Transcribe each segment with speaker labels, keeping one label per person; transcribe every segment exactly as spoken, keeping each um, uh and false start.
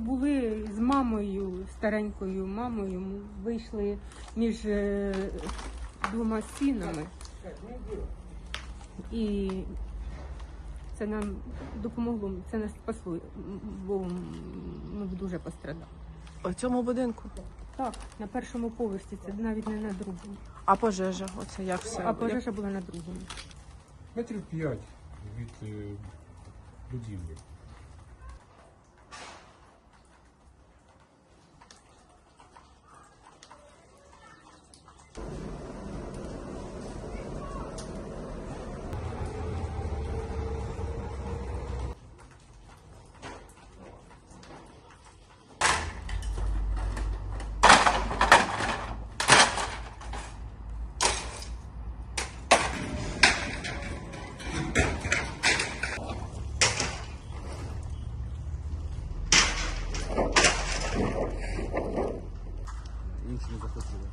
Speaker 1: були з мамою, старенькою мамою, ми вийшли між е, двома стінами. І це нам допомогло, це нас спасло, бо ми дуже пострадали.
Speaker 2: У цьому будинку?
Speaker 1: Так, на першому поверсі, це навіть не на другому.
Speaker 2: А пожежа? Оце як все?
Speaker 1: А пожежа була на другому.
Speaker 3: Метрів п'ять від е, будівлі. Інші не захотіли.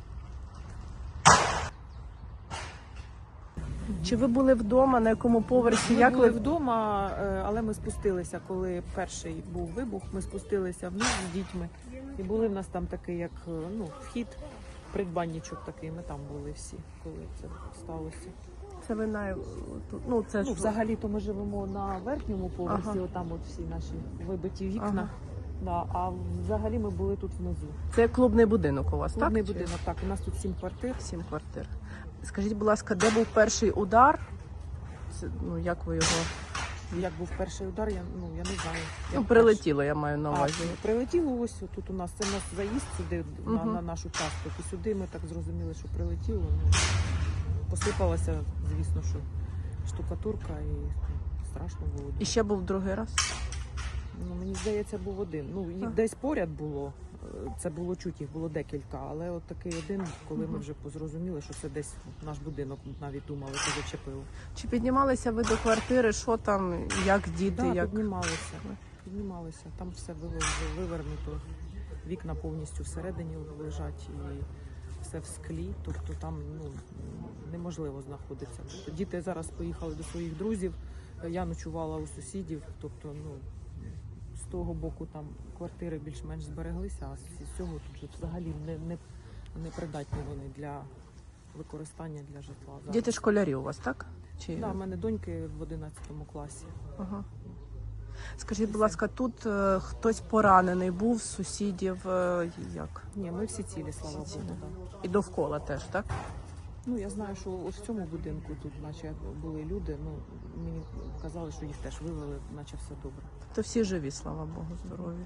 Speaker 2: Чи ви були вдома, на якому поверсі?
Speaker 4: Ми
Speaker 2: Як
Speaker 4: були
Speaker 2: ви
Speaker 4: вдома, е, але ми спустилися, коли перший був вибух, ми спустилися вниз з дітьми. І були в нас там такий, як е, ну, вхід, придбанничок такий, ми там були всі, коли це сталося.
Speaker 2: це ви на ну це
Speaker 4: Ну,
Speaker 2: ж
Speaker 4: взагалі-то ми живемо на верхньому поверсі,
Speaker 2: Ага.
Speaker 4: отам от всі наші вибиті вікна.
Speaker 2: Ага.
Speaker 4: Да, а взагалі ми були тут внизу.
Speaker 2: це клубний будинок у вас,
Speaker 4: Клубний
Speaker 2: так? Чи-
Speaker 4: будинок, так, у нас тут сім квартир.
Speaker 2: Сім квартир. Скажіть, будь ласка, де був перший удар? Це, ну як ви його
Speaker 4: Як був перший удар, я, ну, я не знаю.
Speaker 2: ну,
Speaker 4: Як
Speaker 2: прилетіло, я маю на
Speaker 4: А,
Speaker 2: увазі.
Speaker 4: прилетіло ось тут у нас. Це у нас заїзд сюди на,
Speaker 2: Мгм.
Speaker 4: на нашу частку. І сюди ми так зрозуміли, що прилетіло. Ну, посипалася, звісно, що штукатурка і ну, страшно було.
Speaker 2: І ще був другий раз.
Speaker 4: Ну, мені здається, був один. Ну, їх
Speaker 2: А.
Speaker 4: десь поряд було. е, Це було чуть, їх було декілька, але от такий один, коли ми вже зрозуміли, що це десь наш будинок, навіть думали, що зачепило.
Speaker 2: Чи піднімалися ви до квартири? Що там, як діти,
Speaker 4: Так,
Speaker 2: як
Speaker 4: піднімалися. Піднімалися. Там все вивер- вивернуто. Вікна повністю всередині лежать і все в склі. Тобто там ну, неможливо знаходитися. Тобто діти зараз поїхали до своїх друзів. Я ночувала у сусідів. Тобто, ну, з того боку там квартири більш-менш збереглися, а з цього тут же взагалі не, не, не придатні вони для використання для житла. Зараз.
Speaker 2: діти школярі у вас, так? Чи
Speaker 4: Да, в мене доньки в одинадцятому класі.
Speaker 2: ага. Скажіть, будь ласка, тут е, хтось поранений був з сусідів, е, як?
Speaker 4: Ні, ми всі цілі, слава
Speaker 2: Всі
Speaker 4: Богу.
Speaker 2: цілі.
Speaker 4: Да.
Speaker 2: І довкола теж, так?
Speaker 4: Ну, я знаю, що ось в цьому будинку тут, наче були люди. Ну, мені казали, що їх теж вивели, наче все добре.
Speaker 2: То всі живі, слава Богу, здорові.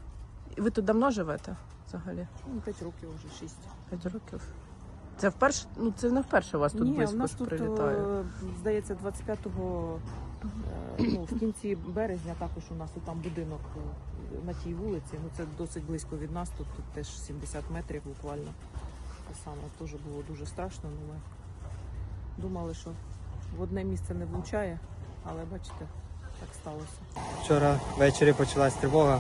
Speaker 2: І ви тут давно живете взагалі?
Speaker 4: Ну, п'ять років вже, шість.
Speaker 2: П'ять років. Це вперше, ну це не вперше у вас тут
Speaker 4: Ні,
Speaker 2: близько
Speaker 4: у нас
Speaker 2: ж
Speaker 4: тут,
Speaker 2: прилітає.
Speaker 4: е, здається, двадцять п'ятого, е, ну, в кінці березня також у нас тут там будинок е, на тій вулиці. Ну, це досить близько від нас, тут, тут теж сімдесят метрів буквально. Те саме теж було дуже страшно. Ну, ми думали, що в одне місце не влучає, але бачите, так сталося.
Speaker 5: Вчора ввечері почалась тривога.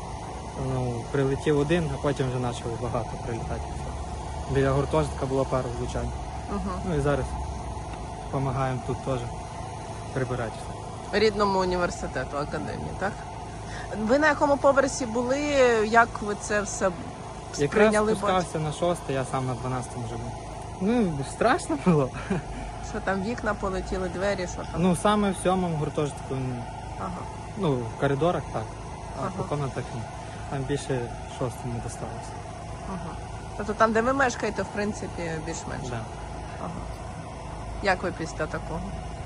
Speaker 5: Ну, прилетів один, а потім вже почали багато прилітати. Біля гуртожитка було пару влучань.
Speaker 2: Ага.
Speaker 5: Ну і зараз допомагаємо тут теж прибирати все.
Speaker 2: Рідному університету, академії, так? Ви на якому поверсі були? Як ви це все
Speaker 5: Якраз
Speaker 2: сприйняли?
Speaker 5: спускався на шосте, я сам на дванадцятому живу. Ну, страшно було.
Speaker 2: Що там вікна полетіли, двері, що там?
Speaker 5: Ну, саме в сьомому гуртожитку,
Speaker 2: Ага.
Speaker 5: ну, в коридорах так, а
Speaker 2: Ага.
Speaker 5: по комнатах ні. Там більше шостому досталося.
Speaker 2: Ага. Тобто там, де ви мешкаєте, в принципі, більш-менш.
Speaker 5: Да.
Speaker 2: Ага. Як ви після такого?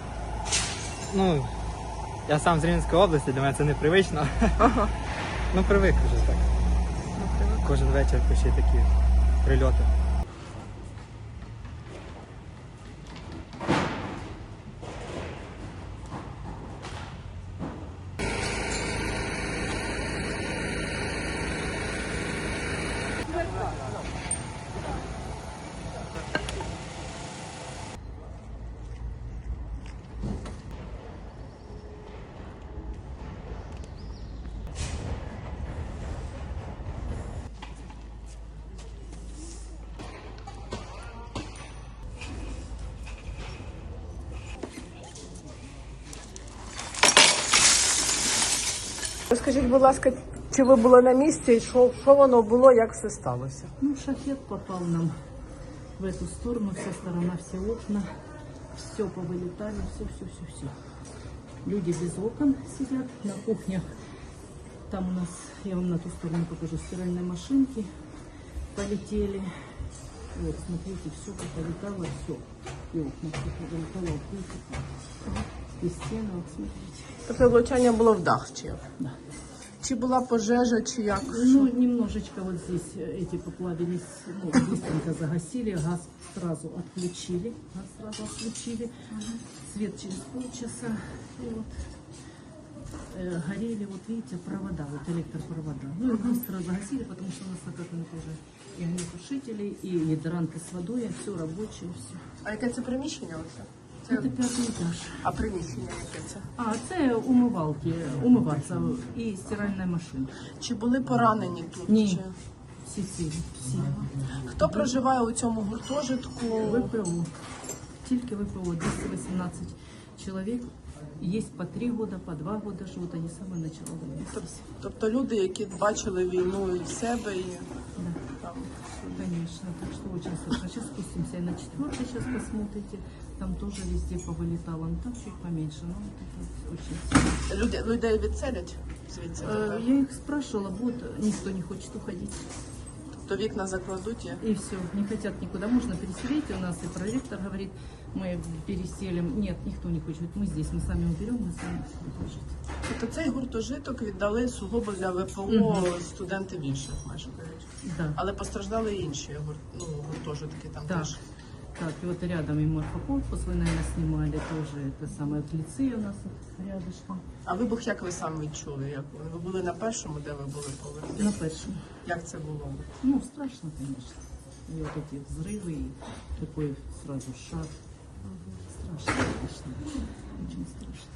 Speaker 5: Ну, я сам з Рівненської області, для мене це непривично.
Speaker 2: Ага.
Speaker 5: Ну, привик вже так.
Speaker 2: Ну, привик.
Speaker 5: Кожен вечір ще такі прильоти.
Speaker 2: Розкажіть, будь ласка, Чи ви були на місці, і що, що воно було, як все сталося?
Speaker 6: Ну, шахет попал нам в эту сторону, вся сторона, все окна, все повылетали, все, все, все, все. Люди без окон сидят на кухнях. Там у нас, я вам на ту сторону покажу, стиральные машинки полетели. Вот, смотрите, все повылетало, все. И окна все повылетало, и стены, вот смотрите.
Speaker 2: Тобто влучання було в дах чи як?
Speaker 6: Да.
Speaker 2: Чи була пожежа, чи як?
Speaker 6: Ну, немножечко вот здесь э, эти поплавились, ну, быстренько загасили, газ сразу отключили, газ сразу отключили, свет через полчаса, и вот э, горели, вот видите, провода, вот электропровода. Ну, и быстро загасили, потому что у нас накатаны тоже и огнетушители, и гидранты с водой, все рабочее, все.
Speaker 2: А яке це приміщення оце?
Speaker 6: Это пятый этаж.
Speaker 2: А приміщення яке це?
Speaker 6: А, це умивалки, умиваться і стиральна машина.
Speaker 2: Чи були поранені тут?
Speaker 6: Ні.
Speaker 2: Чи...
Speaker 6: Всі цілі, всі.
Speaker 2: Хто проживає у цьому гуртожитку?
Speaker 6: ВПО. Тільки ВПО. двести вісімнадцять чоловік. Є по три года, по два года живуть, вони саме почали війни.
Speaker 2: Тобто люди, які бачили війну і в себе, і
Speaker 6: Да.
Speaker 2: там.
Speaker 6: Конечно, так что очень страшно. Сейчас спустимся и на четвертый, сейчас посмотрите. Там тоже везде повылетало, ну там чуть поменьше, но вот это очень сильно.
Speaker 2: Люди, людей відселять звідси?
Speaker 6: Э,
Speaker 2: тепер?
Speaker 6: Я их спрашивала, вот никто не хочет уходить.
Speaker 2: Тобто вікна закладуть? і-
Speaker 6: И все, не хотят никуда. Можно переселить, у нас и проректор говорит, мы переселим. Нет, никто не хочет. Мы здесь, мы сами уберем, мы сами хочет.
Speaker 2: Тобто цей гуртожиток віддали сугубо для ВПО
Speaker 6: Мгм.
Speaker 2: студентів інших, майже кажуть.
Speaker 6: Да.
Speaker 2: Але постраждали і інші гурт, ну, гуртожитки там
Speaker 6: Так.
Speaker 2: теж.
Speaker 6: Так, и вот рядом и морфокорпус вы, наверное, снимали тоже. Это самое вот лицей у нас вот рядышком.
Speaker 2: А вибух як ви сам відчули? Як ви? Ви були на першому, де ви були поверхні?
Speaker 6: На першем.
Speaker 2: Як це було?
Speaker 6: Ну, страшно, конечно. И вот эти взрывы, и такой сразу шаг. Страшно, конечно. Очень страшно.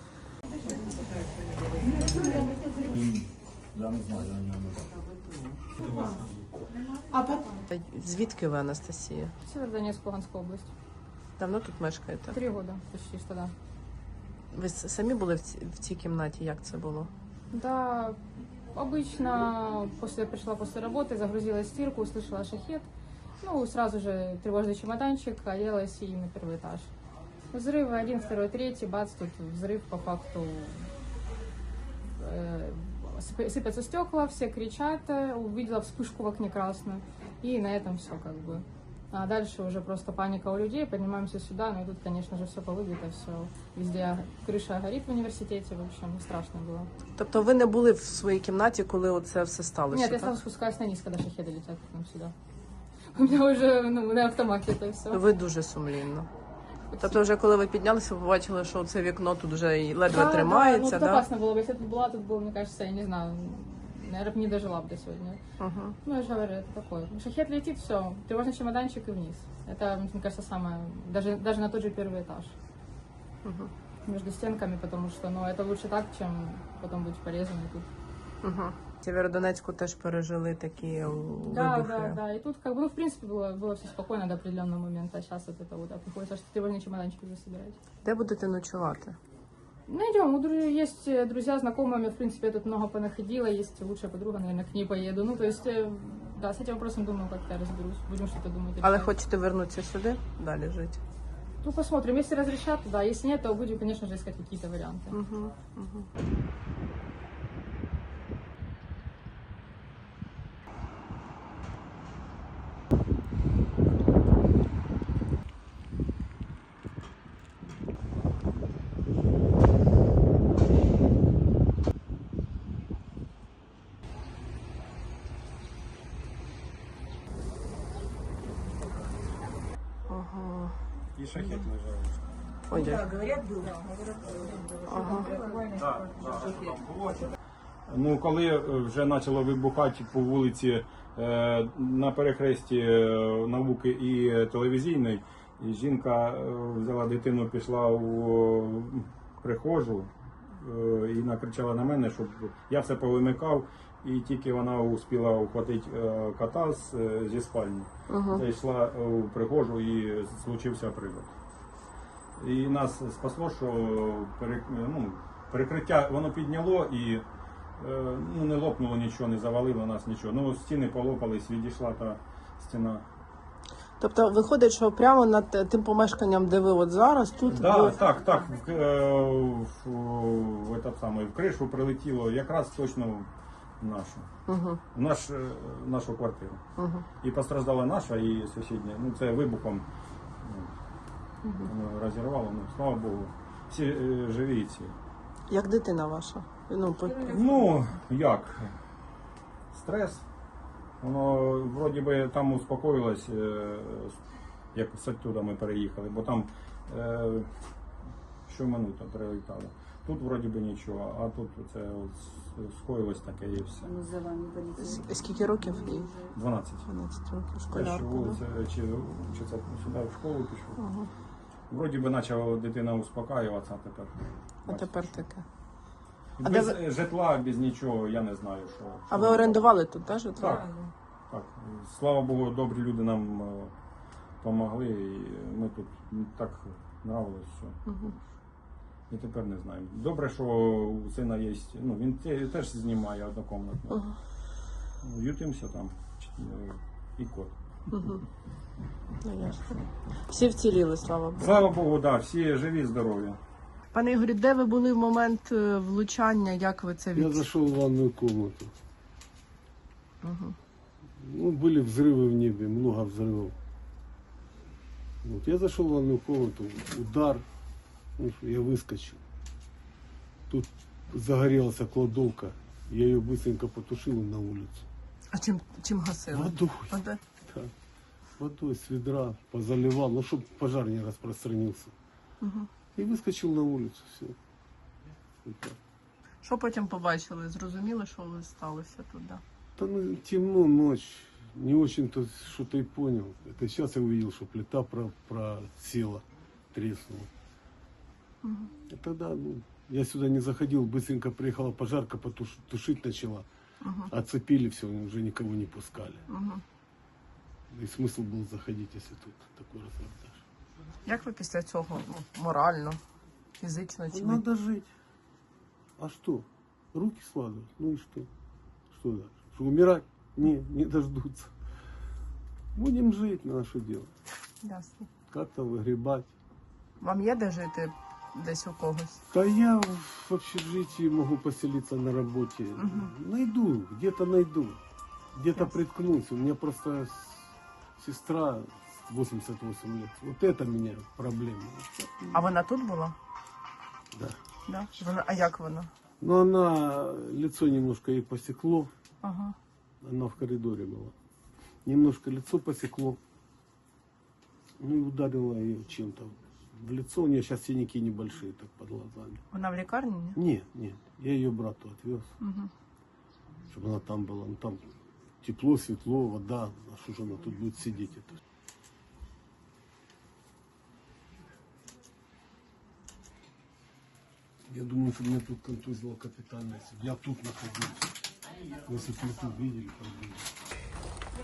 Speaker 2: Звідки ви, Анастасія?
Speaker 7: Северодонецк, Луганская область.
Speaker 2: Давно тут мешкаєте?
Speaker 7: Три года почти что, да.
Speaker 2: Ви с- самі були в цій, в цій кімнаті? Як це було?
Speaker 7: Да, обычно после пришла после работы, загрузила стирку, услышала шахет. Ну, сразу же тревожный чемоданчик, оделась и на первый этаж. Взрывы один, второй, третий, бац, тут взрыв по факту. Э, сып- Сыпятся стекла, все кричат, э, увидела вспышку в окне красную. И на этом все как бы. А дальше уже просто паника у людей, поднимаемся сюда, ну и тут, конечно же, все повыбито, все. Везде крыша горит в университете, в общем, страшно было.
Speaker 2: Тобто ви не були в своїй кімнаті, коли оце все сталося?
Speaker 7: Нет, я
Speaker 2: так?
Speaker 7: сразу спускаюсь на низ, когда шахеды летят к нам сюда. У меня уже ну, на автомате это все.
Speaker 2: Ви дуже сумлінно. Тобто вже коли ви піднялися, ви побачили, що це вікно тут вже і ледве тримається,
Speaker 7: да? Ну,
Speaker 2: да?
Speaker 7: тут опасно было бы, если бы была, тут было, мне кажется, я не знаю, наверное, не дожила бы до сегодня.
Speaker 2: Угу.
Speaker 7: Ну, я же говорю, это такое. Шахет летит, все, тревожный чемоданчик и вниз. Это, мне кажется, самое, даже, даже на тот же первый этаж.
Speaker 2: Угу.
Speaker 7: Между стенками, потому что, ну, это лучше так, чем потом быть порезанной тут.
Speaker 2: Угу. В Сєвєродонецьку теж пережили такі
Speaker 7: Да,
Speaker 2: вибухи.
Speaker 7: да, да. И тут, как бы, ну, в принципе, было, было все спокойно до определенного момента. А сейчас вот это вот, да, приходится что тревожный чемоданчик уже собирать.
Speaker 2: Де будете ночувати?
Speaker 7: Найдем. У дру- есть э, друзья, знакомыми, в принципе, я тут много понаходила. Есть лучшая подруга, наверное, к ней поеду. Ну, то есть, э, да, с этим вопросом, думаю, как-то разберусь. Будем что-то думать.
Speaker 2: Але
Speaker 7: решать.
Speaker 2: хочете вернутися сюди, далі жити?
Speaker 7: Ну, посмотрим. Если разрешат, да. Если нет, то будем, конечно же, искать какие-то варианты.
Speaker 2: Угу. Угу. Ага.
Speaker 3: І шахет лежав.
Speaker 2: Ой, дякую. Ага.
Speaker 3: Ну, коли е, вже почало вибухати по вулиці е, на перехресті е, науки і телевізійної, і жінка е, взяла дитину, пішла у прихожу е, і накричала на мене, щоб я все повимикав, і тільки вона успіла ухватити е, кота з, е, зі спальні.
Speaker 2: Угу.
Speaker 3: Зайшла у прихожу і случився прильот. І нас спасло, що перек- ну, перекриття воно підняло і Е, Ну, не лопнуло нічого, не завалило нас нічого. Ну, стіни полопались, відійшла та стіна.
Speaker 2: Тобто виходить, що прямо над е, тим помешканням, де ви от зараз, тут
Speaker 3: Да,
Speaker 2: ви-
Speaker 3: так, так, в, е, в, в, этот самий, в кришу прилетіло якраз точно в нашу.
Speaker 2: Угу,
Speaker 3: В наш, е, нашу квартиру.
Speaker 2: угу.
Speaker 3: І постраждала наша, і сусідня. Ну, це вибухом ну, воно розірвало, ну, слава Богу. Всі е, живі і ці.
Speaker 2: Як дитина ваша? Ну, по-
Speaker 3: Ну, як? Стрес. Воно вроді би там успокоїлось, е, як з оттуда ми переїхали, бо там е, щоминута прилітало. Тут вроді би нічого, а тут це от скоїлось таке і все.
Speaker 2: С- Скільки років їй?
Speaker 3: дванадцять.
Speaker 2: дванадцять років,
Speaker 3: Те, що
Speaker 2: школярка. да?
Speaker 3: вулиця, чи, чи це сюди в школу пішов.
Speaker 2: Ага.
Speaker 3: Вроді би почала дитина успокаюватися, а тепер.
Speaker 2: А тепер таке. А
Speaker 3: Без
Speaker 2: де
Speaker 3: житла, без нічого, я не знаю, що.
Speaker 2: А ви орендували тут, так, житло?
Speaker 3: Так, так. Слава Богу, добрі люди нам допомогли, і ми тут так нравилось все.
Speaker 2: Угу.
Speaker 3: І тепер не знаємо. Добре, що у сина є, ну він те- теж знімає однокомнатну.
Speaker 2: Ага.
Speaker 3: Ютимося там е, і кот.
Speaker 2: Угу. Ну, ясно. Всі вціліли, слава Богу.
Speaker 3: Слава Богу, да, всі живі, здорові.
Speaker 2: Пане Ігорі, де ви були в момент е, влучання? Як ви це
Speaker 8: Я
Speaker 2: від...
Speaker 8: зашел в ванную комнату.
Speaker 2: Угу.
Speaker 8: Ну, были взрывы в небе, много взрывов. Вот, я зашел в ванную комнату, удар, ну, я выскочил. Тут загорелась кладовка, я ее быстренько потушил и на улицу.
Speaker 2: А чим, чим гасили?
Speaker 8: Водой,
Speaker 2: Вода?
Speaker 8: да, водой с ведра позаливал, ну, чтобы пожар не распространился.
Speaker 2: Угу.
Speaker 8: И выскочил на улицу, все.
Speaker 2: Що потім побачили? Зрозуміли, що ви сталося тут, да?
Speaker 8: Да ну, темно, ночь, не очень-то что-то и понял. Это сейчас я увидел, что плита про просела, треснула.
Speaker 2: Мгм.
Speaker 8: И тогда, ну, я сюда не заходил, быстренько приехала пожарка, потуш, тушить начала.
Speaker 2: Угу.
Speaker 8: Оцепили все, уже никого не пускали.
Speaker 2: Угу.
Speaker 8: И смысл был заходить, если тут такой разрабатываешь.
Speaker 2: Як ви після цього ну, морально, фізично чи
Speaker 8: Ну, надо жить. А что? Руки складывать? Ну и что? Что дальше? Что, умирать? Не, не дождутся. Будем жить, на что делать?
Speaker 2: Ясно.
Speaker 8: Как-то выгребать.
Speaker 2: Вам є де жити десь у когось?
Speaker 8: Да я в общежитии могу поселиться на работе.
Speaker 2: Мгм.
Speaker 8: Найду, где-то найду. Где-то
Speaker 2: Ясно.
Speaker 8: приткнусь. У меня просто с- сестра восемьдесят восемь лет. Вот это меня проблема.
Speaker 2: А вона тут була?
Speaker 8: Да.
Speaker 2: Да. Вона, а як вона?
Speaker 8: Но она, лицо немножко ей посекло.
Speaker 2: Ага.
Speaker 8: Она в коридоре была. Немножко лицо посекло. Ну и ударила ее чем-то в лицо. У нее сейчас синяки небольшие, так под глазами.
Speaker 2: Вона в лікарні? Ні?
Speaker 8: Нет, нет. Я ее брату отвез,
Speaker 2: Угу.
Speaker 8: чтобы она там была. Ну там тепло, светло, вода. А что же она тут будет сидеть? Это? Я думаю, что меня тут контузило капитально. Если б я тут находился. Если бы вы тут видели, проблема.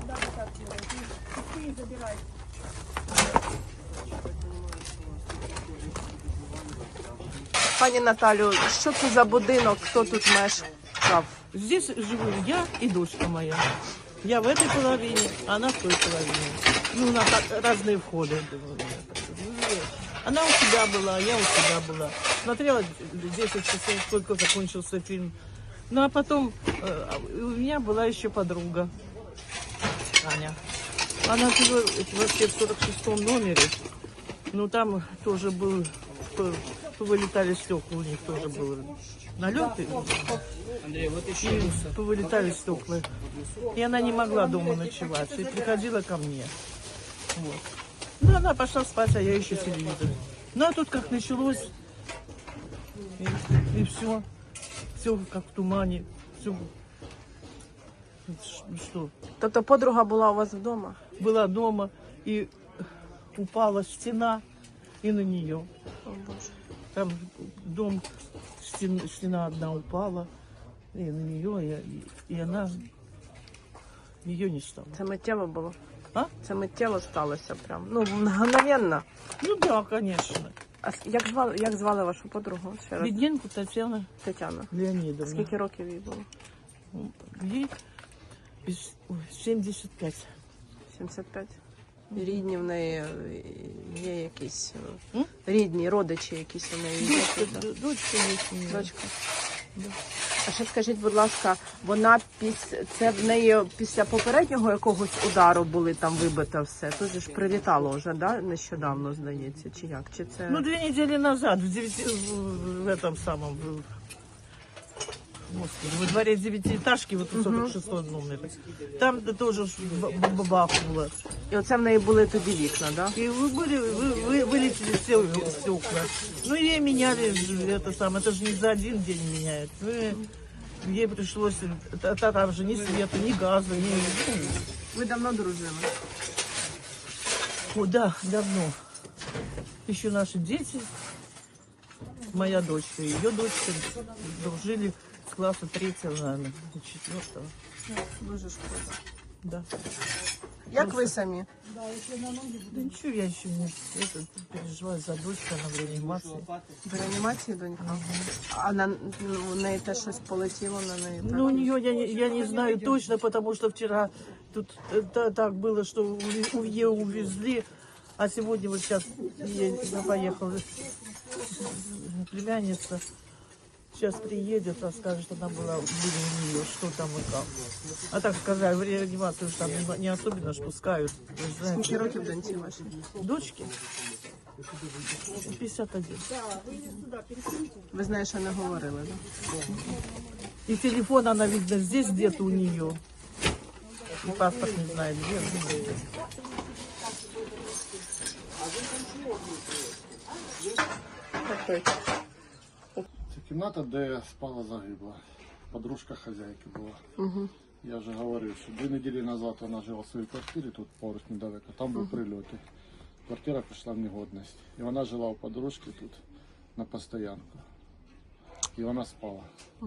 Speaker 2: Пані Наталю, що це за будинок? Хто тут мешкав?
Speaker 9: Здесь живу я и дочка моя. Я в этой половине, а она в той половине. Ну, у нас так разные входы. Она у себя была, я у себя была. Смотрела десять часов, только закончился фильм. Ну, а потом э, у меня была еще подруга, Аня. Она жила вообще в сорок шестом номере. Ну, там тоже был, по- повылетали стекла, у них тоже был налет. И повылетали стекла. И она не могла дома ночевать. И приходила ко мне. Вот. Ну, она пошла спать, а я еще телевизор. Ну, а тут как началось, и, и все. Все как в тумане. Все. Что?
Speaker 2: Тобто подруга була у вас вдома?
Speaker 9: Была дома, и упала стена, и на нее.
Speaker 2: О, Боже.
Speaker 9: Там дом, стена, стена одна упала, и на нее, и, и она, ее не стало.
Speaker 2: Це миттєво було?
Speaker 9: А?
Speaker 2: Це миттєво сталося прям. Ну, мгновенно.
Speaker 9: Ну да, конечно.
Speaker 2: А с- як звали, як звали вашу подругу? Ще раз.
Speaker 9: Бідненко Тетяна
Speaker 2: Тетяна.
Speaker 9: Леонідовна.
Speaker 2: Скільки років їй було?
Speaker 9: Їй із- ой, сімдесят п'ять.
Speaker 2: сімдесят п'ять. І рідні в неї е, є якісь е,
Speaker 9: М?
Speaker 2: рідні, родичі якісь у неї є.
Speaker 9: Дочка,
Speaker 2: тут, да?
Speaker 9: д- дочка є у неї.
Speaker 2: Дочка. А ще скажіть, будь ласка, вона після це в неї після попереднього якогось удару були там вибито все. Тут же ж прилітало вже, да? Нещодавно, здається, чи як? Чи це
Speaker 9: Ну, две недели назад, в, девяти, в, в этом самом, в, господи, во дворе девятиэтажки, вот у сорок шестого номера, там тоже ж б- б- бабахнуло.
Speaker 2: і оце в неї були тоді вікна, да?
Speaker 9: И вы были, вы, вы- вылетели все стекла. Ну, ей меняли ж это самое, это же не за один день меняют. Ну, и ей пришлось, та- та- там же ни света, ни газа, ни... ну,
Speaker 2: Ви давно дружили?
Speaker 9: О, да, давно. Еще наши дети, моя дочка и ее дочка дружили с класса третьего, наверное, до четвертого.
Speaker 2: Дуже шкода.
Speaker 9: Да.
Speaker 2: Як ви самі?
Speaker 9: Да ничего, я еще не это, переживаю за дочку, она в реанимации.
Speaker 2: В реанімації донька? А на ну, у неї теж щось полетіло на неї? Так?
Speaker 9: Ну, у нее я, не- я не знаю точно, потому что вчера тут э, та- так было, что у- у ее увезли, а сегодня вот сейчас поехала племянница. Сейчас приедет, расскажет, что она была, были у нее, что там и как. А так сказали, в реанимацию же там не, не особенно ж пускают. Вы же знаете.
Speaker 2: Скільки років доньці вашій?
Speaker 9: Дочки пятьдесят один.
Speaker 2: Ви знаєте, що не говорили, так?
Speaker 9: И телефон она, видно, здесь где-то у нее. И паспорт не знает где. ну,
Speaker 10: Це кімната, де спала загибла. Подружка хазяйки була.
Speaker 2: Угу.
Speaker 10: Я вже говорив, що дві неділі назад вона жила в своїй квартирі, тут поруч недалеко, там був прильот. Квартира прийшла в негодність. І вона жила у подружки тут на постоянку. І вона спала.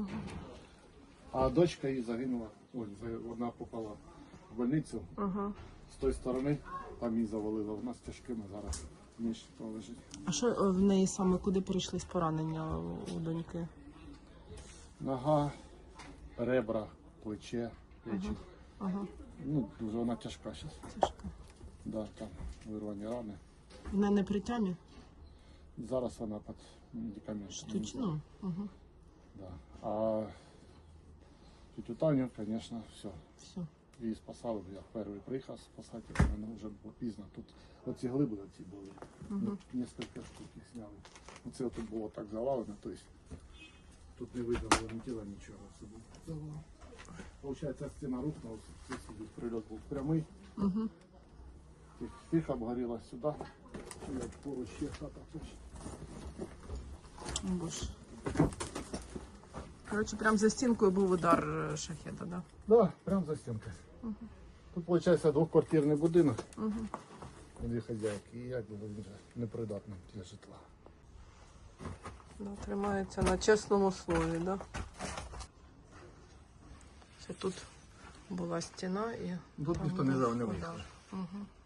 Speaker 10: А дочка її загинула, ой, за- вона попала в больницю.
Speaker 2: Ага.
Speaker 10: З тої сторони там її завалило. Вона з тяжкими зараз ніж лежить.
Speaker 2: А що е, в неї саме, куди прийшлись поранення у у доньки?
Speaker 10: Нога, ребра, плече, печень.
Speaker 2: Ага.
Speaker 10: Ну, дуже вона тяжка зараз.
Speaker 2: Тяжко.
Speaker 10: Да, там вирвані рани.
Speaker 2: Вона не при тямі?
Speaker 10: Зараз вона під медикаментами.
Speaker 2: Штучно? Угу.
Speaker 10: Да. А тетю Таню, звісно, все.
Speaker 2: Все.
Speaker 10: Її спасали, я перший приїхав спасати, але мене вже було пізно. Тут оці глиби оці були.
Speaker 2: Угу.
Speaker 10: Несколько штук їх зняли. Оце тут було так завалено, тобто тут не видно було ні тіла, нічого собі. Получається, стіна рухнула, це собі прильот був прямий.
Speaker 2: Угу.
Speaker 10: Тихо обгоріла сюди. Я поруч ще хата теж.
Speaker 2: Боже. Коротше, прямо за стінкою був удар е, шахеда, да?
Speaker 10: Да, прямо за стінкою. Тут, виходить, двоквартирний будинок.
Speaker 2: Угу.
Speaker 10: Дві хазяйки. І якби він вже непридатний для житла.
Speaker 2: Да, тримається на чесному слові, да? Це тут була стіна і
Speaker 10: Тут
Speaker 2: там
Speaker 10: ніхто не
Speaker 2: був
Speaker 10: жав, не
Speaker 2: удар.
Speaker 10: виїхав.
Speaker 2: Угу.